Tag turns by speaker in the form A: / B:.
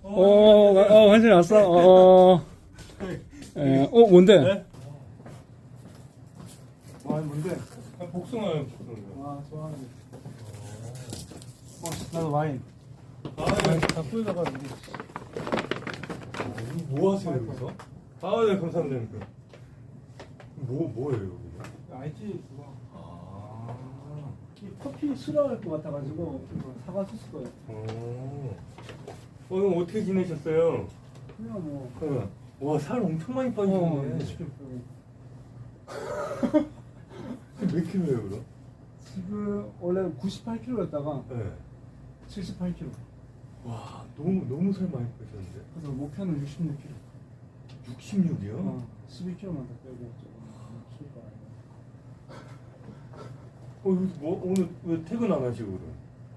A: 환승이 왔어. 뭔데?
B: 네?
C: 뭔데?
B: 복숭아요, 복숭아.
C: 아, 좋아하는. 나도 와인. 다 뿌려다가
B: 뭐 하세요, 여기서? 네, 감사합니다. 뭐예요, 여기가?
C: 알지? 그거.
B: 아.
C: 이 커피 싫어할 것 같아가지고 이거 사가줬을 거예요.
B: 오늘 어떻게 지내셨어요?
C: 그냥 뭐.
B: 와, 살 엄청 많이 빠지셨네.
C: 20kg.
B: 몇 킬로예요, 그럼?
C: 지금 원래 98kg였다가
B: 네.
C: 78kg.
B: 와, 너무 살 많이 빠졌는데?
C: 그래서 목표는 66kg.
B: 66이요?
C: 11kg만 더 빼고 조금 키울 거야.
B: 여기 오늘 왜 퇴근 안 하시고 그래?